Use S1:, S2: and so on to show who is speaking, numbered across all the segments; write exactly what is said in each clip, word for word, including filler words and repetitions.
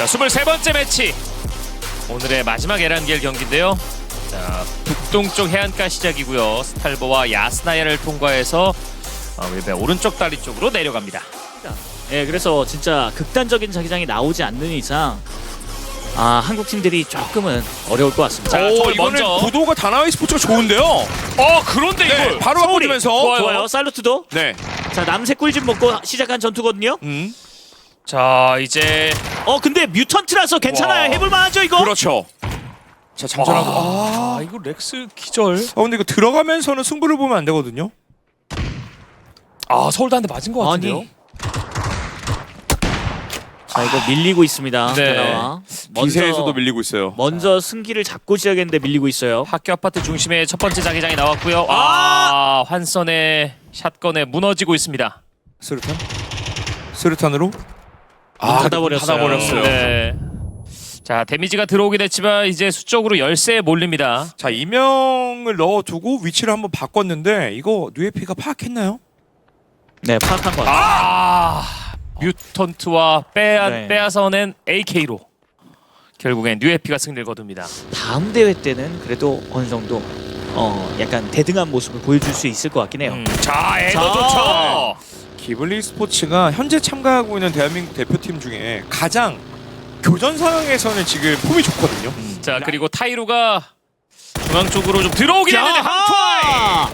S1: 스물세 번째 매치. 오늘의 마지막 에란겔 경기인데요. 자, 북동쪽 해안가 시작이고요. 스탈버와 야스나야를 통과해서 어, 왼발 오른쪽 다리 쪽으로 내려갑니다.
S2: 예, 그래서 진짜 극단적인 자기장이 나오지 않는 이상 아, 한국 팀들이 조금은 어려울 것 같습니다.
S1: 자,
S3: 오,
S1: 저걸
S3: 이거는
S1: 먼저.
S3: 구도가 다나와이 스포츠가 좋은데요.
S1: 어, 그런데
S3: 네,
S1: 이걸
S3: 바로 바꿔주면서.
S1: 좋아요.
S2: 좋아요. 살루트도.
S3: 네.
S2: 자, 남색 꿀집 먹고 시작한 전투거든요.
S3: 음.
S1: 자, 이제
S2: 어, 근데 뮤턴트라서 괜찮아요.
S3: 와.
S2: 해볼만하죠 이거?
S3: 그렇죠. 자, 잠전하고.
S1: 아,
S3: 아,
S1: 이거 렉스 기절.
S3: 아, 근데 이거 들어가면서는 승부를 보면 안 되거든요.
S1: 아, 서울도 한 대 맞은 것 같은데요.
S2: 아니. 자, 이거 밀리고 있습니다.
S1: 네.
S2: 다나와.
S3: 기세에서도 밀리고 있어요.
S2: 먼저 승기를 잡고 시작했는데 밀리고 있어요.
S1: 학교 아파트 중심에 첫 번째 자기장이 나왔고요. 아, 환선의 샷건에 무너지고 있습니다.
S3: 스루탄? 스루탄으로?
S2: 문 닫아버렸어요.
S3: 닫아버렸어요.
S1: 네. 자, 데미지가 들어오긴 했지만 이제 수적으로 열세에 몰립니다.
S3: 자, 이명을 넣어두고 위치를 한번 바꿨는데 이거 뉴에피가 파악했나요?
S2: 네, 파악한 것 같아요.
S1: 아, 뮤턴트와 빼앗,
S2: 네.
S1: 빼앗아낸 에이케이로 결국엔 뉴에피가 승리를 거둡니다.
S2: 다음 대회 때는 그래도 어느 정도 어 약간 대등한 모습을 보여줄 수 있을 것 같긴 해요.
S1: 음, 자, 에더
S2: 자.
S1: 좋죠.
S3: 기블리 스포츠가 현재 참가하고 있는 대한민국 대표팀 중에 가장 교전 상황에서는 지금 폼이 좋거든요.
S1: 자, 그리고 타이루가 중앙 쪽으로 좀 들어오긴 했는데 항투아이.
S2: 야하!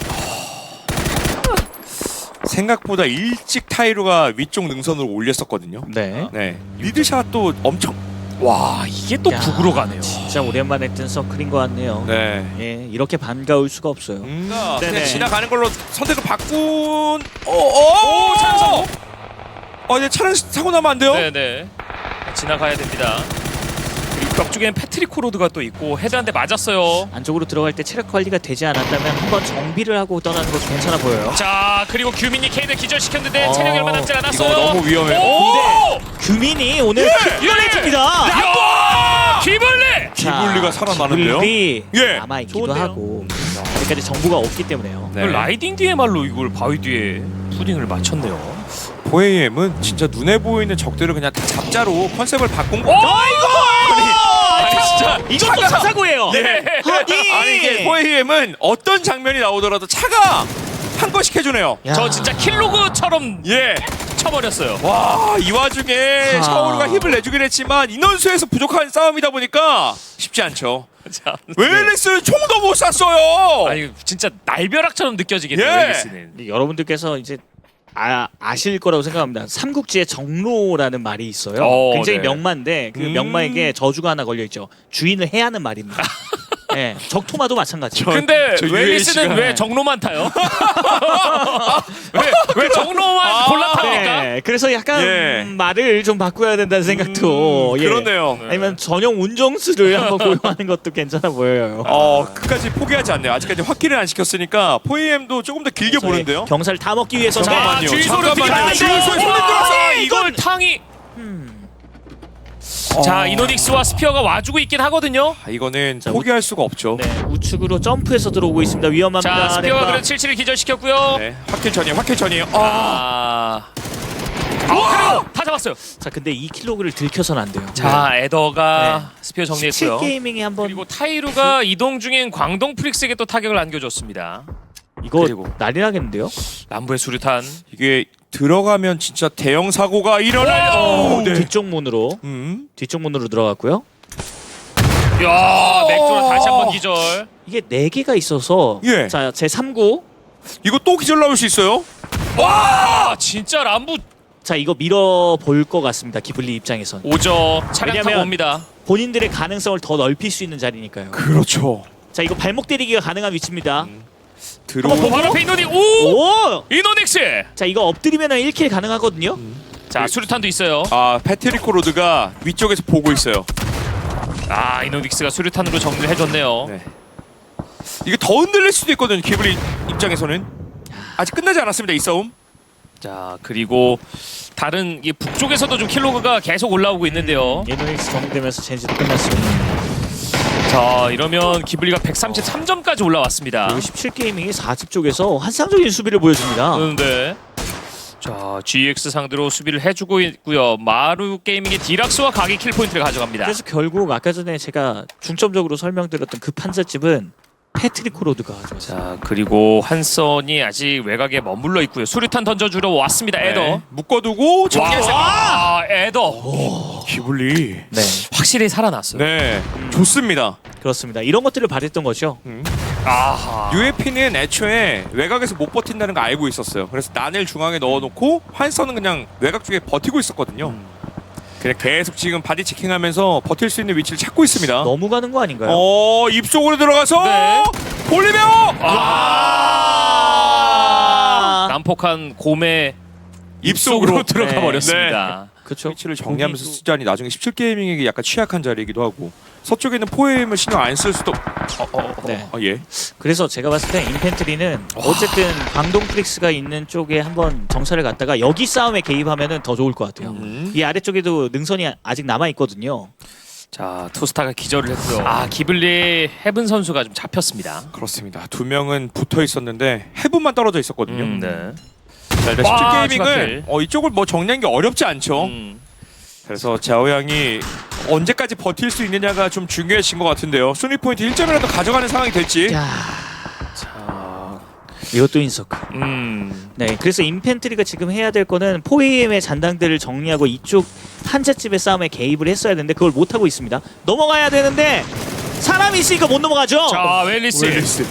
S3: 생각보다 일찍 타이루가 위쪽 능선으로 올렸었거든요.
S2: 네.
S3: 네, 리드샷도 엄청.
S1: 와, 이게 또
S2: 야,
S1: 북으로 가네요.
S2: 진짜 오랜만에 뜬 서클인 것 같네요.
S3: 네.
S2: 예, 이렇게 반가울 수가 없어요.
S3: 음,
S2: 네네.
S3: 그냥 지나가는 걸로 선택을 바꾼. 오오
S1: 오, 차량 사고.
S3: 어, 이제 차량 사고 나면 안 돼요?
S1: 네네. 지나가야 됩니다. 그리고 벽 쪽에는 패트릭 코로드가 또 있고 헤드 한 대 맞았어요.
S2: 안쪽으로 들어갈 때 체력 관리가 되지 않았다면 한번 정비를 하고 떠나는 것도 괜찮아 보여요.
S1: 자, 그리고 규민이 케이를 기절시켰는데
S2: 어,
S1: 체력이 얼마 남지 않았어요.
S3: 이거 너무 위험해요.
S1: 오!
S2: 규민이 오늘
S1: 예!
S2: 킥볼레입니다.
S1: 야! 기블리!
S3: 기블리가 살아나는데요?
S2: 기블리
S3: 예.
S2: 남아 있기도
S1: 좋은데요?
S2: 하고 아직까지 정보가 없기 때문에요.
S3: 네.
S1: 그 라이딩 디에말로 이걸 바위 뒤에 푸딩을 맞췄네요.
S3: 포에이엠은 진짜 눈에 보이는 적들을 그냥 다 잡자로 컨셉을 바꾼 거.
S1: 오, 이거! 아니, 진짜
S2: 이것도
S3: 차가-
S2: 사사고예요.
S1: 네.
S2: 아니,
S3: 아니 이게 포에이엠은 어떤 장면이 나오더라도 차가 한 번씩 해주네요.
S2: 야.
S1: 저 진짜 킬로그처럼
S3: 예.
S1: 쳐버렸어요.
S3: 와, 이 와중에
S2: 아.
S3: 샤오루가 힘을 내주긴 했지만 인원수에서 부족한 싸움이다 보니까 쉽지 않죠.
S1: 자,
S3: 웨일리스는 총도 못 쐈어요.
S1: 아니 진짜 날벼락처럼 느껴지겠네요.
S3: 예.
S1: 웨일리스는.
S2: 여러분들께서 이제 아, 아실 거라고 생각합니다. 삼국지에 정로라는 말이 있어요.
S1: 어,
S2: 굉장히
S1: 네.
S2: 명마인데 그
S3: 음.
S2: 명마에게 저주가 하나 걸려 있죠. 주인을 해야 하는 말입니다. 네, 적토마도 마찬가지.
S3: 저-
S1: 근데
S3: 저
S1: 웨일리스는
S3: 유에이치가
S1: 왜 정로만 타요? 왜, 왜 정로만
S3: 아,
S1: 골라탑니까?
S2: 네, 그래서 약간
S3: 예.
S2: 음, 말을 좀 바꿔야 된다는 생각도
S3: 음,
S2: 예.
S3: 그러네요.
S2: 아니면 전용 운정수를 한번 고용하는 것도 괜찮아 보여요.
S3: 어, 끝까지 포기하지 않네요. 아직까지 확기를 안 시켰으니까 포에이엠도 조금 더 길게
S2: 저희
S3: 보는데요.
S2: 경사를 다 먹기 위해서
S1: 자,
S3: 잠깐만요.
S1: 주유소를
S3: 잠깐만요.
S1: 들이다.
S3: 주유소에 손을 들어서
S1: 이걸 탕이.
S2: 음.
S1: 자,
S3: 어.
S1: 이노닉스와 스피어가 와주고 있긴 하거든요.
S3: 아, 이거는
S2: 자,
S3: 포기할 수가 없죠.
S2: 네, 우측으로 점프해서 들어오고 있습니다. 위험합니다.
S1: 자, 스피어가
S2: 렘바.
S1: 그래도 칠칠을 기절시켰고요.
S3: 네, 확킬 전이에요. 확킬 전이에요. 아,
S1: 아, 아, 그리고 다 잡았어요.
S2: 자, 근데 이 킬로그를 들켜서는 안 돼요.
S1: 자, 에더가 스피어 정리했고요.
S2: 칠 게이밍이 한번
S1: 그리고 타이루가 이동 중인 광동 프릭스에게 또 타격을 안겨줬습니다.
S2: 이거
S1: 그리고.
S2: 난리 나겠는데요?
S1: 남부의 수류탄.
S3: 이게 들어가면 진짜 대형 사고가 일어나요.
S1: 오,
S3: 네.
S2: 뒤쪽 문으로
S3: 음.
S2: 뒤쪽 문으로 들어갔고요.
S1: 야, 맥주라 다시 한번 기절.
S2: 이게 네 개가 있어서
S3: 예.
S2: 자, 제 삼 구.
S3: 이거 또 기절 나올 수 있어요?
S1: 와, 진짜 람부
S2: 자, 이거 밀어 볼 것 같습니다. 기블리 입장에선.
S1: 오죠. 차량 타고
S2: 왜냐면-
S1: 옵니다.
S2: 본인들의 가능성을 더 넓힐 수 있는 자리니까요.
S3: 그렇죠.
S2: 자, 이거 발목 때리기가 가능한 위치입니다.
S3: 들어.
S1: 어, 바로 앞에 이노닉. 오!
S2: 오!
S1: 이노닉스.
S2: 자, 이거 엎드리면 일 킬 가능하거든요.
S1: 자, 수류탄도 있어요.
S3: 아, 패트리코 로드가 위쪽에서 보고 있어요.
S1: 아, 이노닉스가 수류탄으로 정리를 해줬네요.
S3: 네. 이게 더 흔들릴 수도 있거든요. 기블리 입장에서는 아직 끝나지 않았습니다. 이 싸움.
S1: 자, 그리고 다른 이 북쪽에서도 좀 킬로그가 계속 올라오고 있는데요.
S2: 예노닉스 정리되면서 젠지도 끝났어요.
S1: 자, 이러면 기블리가 백삼십삼 점까지 올라왔습니다.
S2: 그리고 십칠 게이밍이 사 집 쪽에서 환상적인 수비를 보여줍니다.
S1: 그런데 자, 자, 지엑스 상대로 수비를 해주고 있고요. 마루 게이밍의 디락스와 각이 킬 포인트를 가져갑니다.
S2: 그래서 결국 아까 전에 제가 중점적으로 설명드렸던 그 판자집은 패트릭 코로드가 가져왔어요.
S1: 자, 그리고 한선이 아직 외곽에 머물러 있고요. 수류탄 던져주러 왔습니다. 에더.
S3: 네. 묶어두고 정리해서
S1: 와, 아, 에더.
S3: 기블리.
S2: 네,
S1: 확실히 살아났어요.
S3: 네, 좋습니다.
S2: 그렇습니다. 이런 것들을 바랬던 거죠.
S1: 아하.
S3: 유에피는 애초에 외곽에서 못 버틴다는 거 알고 있었어요. 그래서 난을 중앙에 넣어놓고 환선은 그냥 외곽 쪽에 버티고 있었거든요. 그냥 계속 지금 바디 체킹하면서 버틸 수 있는 위치를 찾고 있습니다.
S2: 너무 가는 거 아닌가요?
S3: 어, 입속으로 들어가서
S1: 네.
S3: 볼리베오.
S1: 아. 난폭한 곰의 입속으로
S3: 입속으로
S1: 들어가
S2: 네.
S1: 버렸습니다.
S2: 그렇죠.
S3: 위치를 정리하면서
S2: 거기도-
S3: 쓰자니 나중에 십칠 게이밍에게 약간 취약한 자리이기도 하고 서쪽에는 포엠을 신경 안 쓸 수도. 어, 어, 어.
S2: 네.
S3: 어, 예.
S2: 그래서 제가 봤을 때 인펜트리는 어쨌든 광동 프릭스가 있는 쪽에 한번 정찰을 갔다가 여기 싸움에 개입하면은 더 좋을 것 같아요.
S3: 음.
S2: 이 아래쪽에도 능선이 아직 남아 있거든요.
S1: 자, 투스타가 기절을 했고요. 아, 기블리 헤븐 선수가 좀 잡혔습니다.
S3: 그렇습니다. 두 명은 붙어 있었는데 해분만 떨어져 있었거든요.
S1: 음, 네.
S3: 자, 일단
S1: 와,
S3: 십칠
S1: 추가킬.
S3: 게이밍은 어, 이쪽을 뭐 정리하는 게 어렵지 않죠.
S1: 음.
S3: 그래서 자오양이 언제까지 버틸 수 있느냐가 좀 중요해진 것 같은데요. 순위 포인트 일 점이라도 가져가는 상황이 될지.
S2: 야,
S1: 자,
S2: 이것도 인서클.
S1: 음.
S2: 네, 그래서 인펜트리가 지금 해야 될 거는 포에이엠의 잔당들을 정리하고 이쪽 한자집의 싸움에 개입을 했어야 되는데 그걸 못 하고 있습니다. 넘어가야 되는데 사람이 있으니까 못 넘어가죠.
S1: 자, 웰리스.
S3: 웰리스.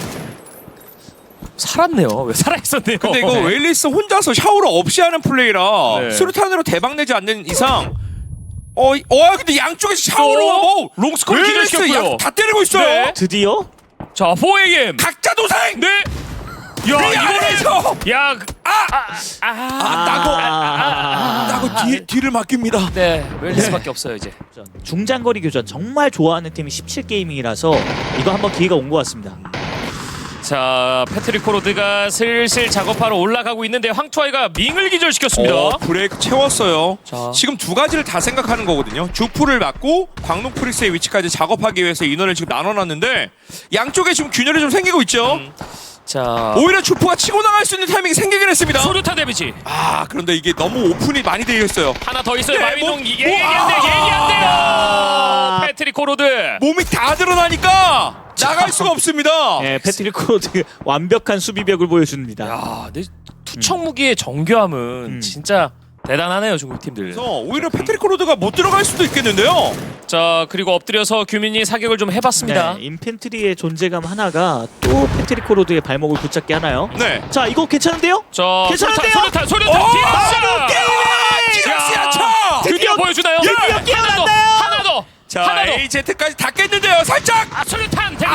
S1: 살았네요. 왜 살아 있었네요.
S3: 근데 이거 웰리스 혼자서 샤워를 없이 하는 플레이라
S1: 네.
S3: 수류탄으로 대박 내지 않는 이상 어, 어 근데 양쪽에서 샤워를
S1: 어?
S3: 하고
S1: 롱스콜
S3: 웰리스
S1: 기절시켰고요.
S3: 양 다 때리고 있어요.
S1: 네.
S2: 드디어
S1: 자, 사 에이엠.
S3: 각자 도생.
S1: 네. 야,
S3: 그
S1: 이거는
S3: 안에서
S1: 야, 그- 아, 아, 아,
S3: 아, 따고
S2: 아,
S3: 따고 뒤 뒤를 맡깁니다.
S1: 네, 웰리스밖에 없어요 이제.
S2: 중장거리 교전 정말 좋아하는 팀이 십칠 게이밍이라서 이거 한번 기회가 온 것 같습니다.
S1: 자, 패트릭 코로드가 슬슬 작업하러 올라가고 있는데 황투아이가 밍을 기절시켰습니다.
S3: 어, 브레이크 채웠어요.
S1: 자.
S3: 지금 두 가지를 다 생각하는 거거든요. 주프를 맞고 광동 프리스의 위치까지 작업하기 위해서 인원을 지금 나눠놨는데 양쪽에 지금 균열이 좀 생기고 있죠.
S1: 음. 자,
S3: 오히려 주프가 치고 나갈 수 있는 타이밍이 생기긴 했습니다.
S1: 소류탄 데미지
S3: 아 그런데 이게 너무 오픈이 많이 되어 있어요.
S1: 하나 더 있어요.
S3: 네,
S1: 마윈동
S3: 뭐-
S1: 이게
S3: 뭐-
S1: 얘기 안 돼,
S3: 아!
S1: 얘기 안 돼요.
S2: 아.
S1: 패트릭 코로드.
S3: 몸이 다 드러나니까 나갈 수가 없습니다.
S2: 네, 패트릭 코로드 완벽한 수비벽을 보여줍니다.
S1: 야, 내 투척 무기의 정교함은
S2: 음.
S1: 진짜 대단하네요 중국 팀들.
S3: 그래서 오히려 패트릭 코로드가 못 들어갈 수도 있겠는데요.
S1: 자, 그리고 엎드려서 규민이 사격을 좀 해봤습니다.
S2: 네, 인펜트리의 존재감 하나가 또 패트릭 코로드의 발목을 붙잡게 하나요?
S3: 네.
S2: 자, 이거 괜찮은데요?
S1: 자,
S2: 괜찮은데요?
S1: 소류탄, 소류탄,
S3: 어,
S1: 소류탄.
S3: 디락스야 쳐.
S1: 드디어 보여주나요?
S2: 드디어
S1: 하나 더,
S2: 깨어났나요?
S1: 하나 더.
S3: 자
S1: 하나 더.
S3: 에이제트까지 다 깼는데요. 살짝.
S1: 아, 소류탄 데미지.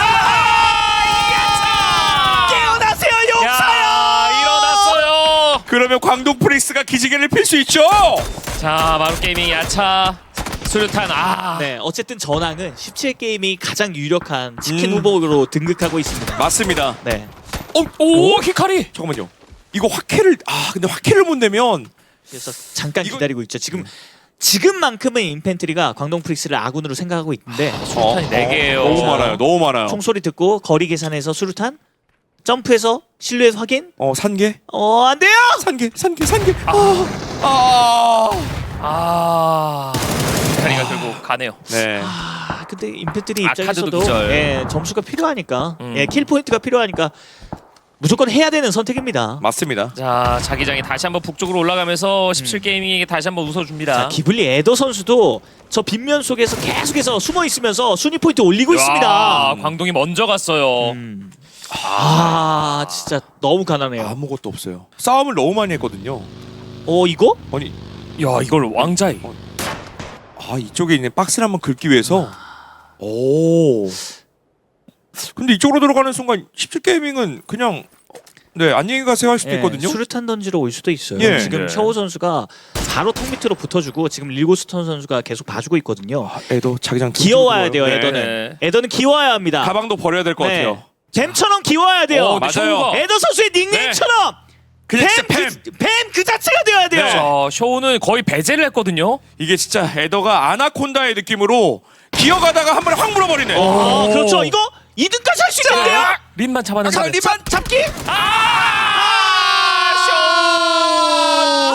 S3: 아!
S2: 깨어나세요,
S1: 야, 일어났어요.
S3: 그러면 광동 프리스가 기지개를 필 수 있죠.
S1: 자, 마루 게이밍 야차 수류탄. 아,
S2: 네, 어쨌든 전황은 십칠 게임이 가장 유력한 치킨
S3: 음.
S2: 후보로 등극하고 있습니다.
S3: 맞습니다.
S2: 네.
S3: 어,
S1: 오, 히카리.
S3: 잠깐만요. 이거 화캐를 아 근데 화캐를 못 내면
S2: 그래서 잠깐
S3: 이거-
S2: 기다리고 있죠. 지금 지금만큼은 인펜트리가 광동 프릭스를 아군으로 생각하고 있는데
S1: 수류탄이 네 개예요.
S3: 너무
S2: 자,
S3: 많아요. 너무 많아요.
S2: 총소리 듣고 거리 계산해서 수류탄 점프해서 실루엣 확인.
S3: 어 산개
S2: 어, 안 돼요.
S3: 산개 산개 산개. 아. 아.
S1: 아, 히카리가 결국 가네요.
S3: 네.
S2: 아, 근데 인펜트리
S1: 아카드도
S2: 입장에서도
S1: 기절.
S2: 예, 점수가 필요하니까
S1: 음.
S2: 예, 킬 포인트가 필요하니까 무조건 해야 되는 선택입니다.
S3: 맞습니다.
S1: 자, 자기장이 다시 한번 북쪽으로 올라가면서 십칠 게이밍에게 다시 한번 웃어줍니다.
S2: 자, 기블리 에더 선수도 저 빗면 속에서 계속해서 숨어 있으면서 순위 포인트 올리고
S1: 야,
S2: 있습니다.
S1: 광동이 먼저 갔어요.
S2: 음. 아, 진짜 너무 가난해요.
S3: 아무것도 없어요. 싸움을 너무 많이 했거든요.
S2: 어, 이거?
S3: 아니
S1: 야, 이걸 왕자이.
S3: 아 이쪽에 있는 박스를 한번 긁기 위해서. 오. 근데 이쪽으로 들어가는 순간 십칠 게이밍은 그냥 네 안녕히 가세요 할 수도
S2: 예,
S3: 있거든요.
S2: 수류탄 던지러 올 수도 있어요.
S3: 예.
S2: 지금
S1: 네.
S2: 셔우 선수가 바로 턱 밑으로 붙어주고 지금 릴고스턴 선수가 계속 봐주고 있거든요.
S3: 아, 애도 자기장
S2: 기어와야 돼요,
S3: 네.
S2: 에더는. 에더는 기어와야 합니다.
S3: 가방도 버려야 될 것
S2: 네.
S3: 같아요.
S2: 뱀처럼 기어와야 돼요.
S1: 어,
S3: 맞아요.
S1: 셔우가.
S2: 에더 선수의 닉네임처럼
S3: 그냥 진짜
S2: 뱀,
S3: 뱀.
S2: 그, 뱀그 자체가 되어야 돼요.
S3: 네.
S1: 자, 쇼우는 거의 배제를 했거든요.
S3: 이게 진짜 에더가 아나콘다의 느낌으로 기어가다가 한 번에 확 물어버리네.
S2: 어,
S1: 오.
S2: 그렇죠. 이거 이 등까지 할 수 있는데요.
S1: 린만 잡아내면
S3: 리반
S2: 잡기.
S1: 아,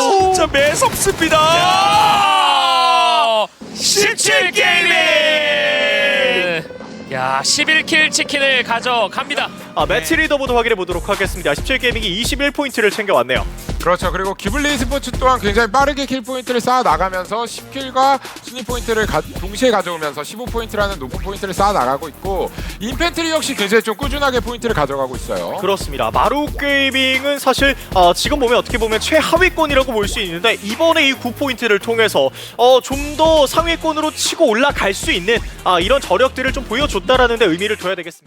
S3: 좋습니다.
S1: 야, 십칠 게이밍! 야, 십일 킬 치킨을 가져갑니다.
S4: 아, 매치 리더보드 확인해 보도록 하겠습니다. 십칠 게이밍이 이십일 포인트를 챙겨왔네요.
S5: 그렇죠. 그리고 기블리 스포츠 또한 굉장히 빠르게 킬 포인트를 쌓아 나가면서 십 킬과 순위 포인트를 가, 동시에 가져오면서 십오 포인트라는 높은 포인트를 쌓아 나가고 있고 인펜트리 역시 굉장히 좀 꾸준하게 포인트를 가져가고 있어요.
S4: 그렇습니다. 마루 게이밍은 사실 어, 지금 보면 어떻게 보면 최하위권이라고 볼 수 있는데 이번에 이 구 포인트를 통해서 어, 좀 더 상위권으로 치고 올라갈 수 있는 아, 이런 저력들을 좀 보여줬다라는 데 의미를 둬야 되겠습니다.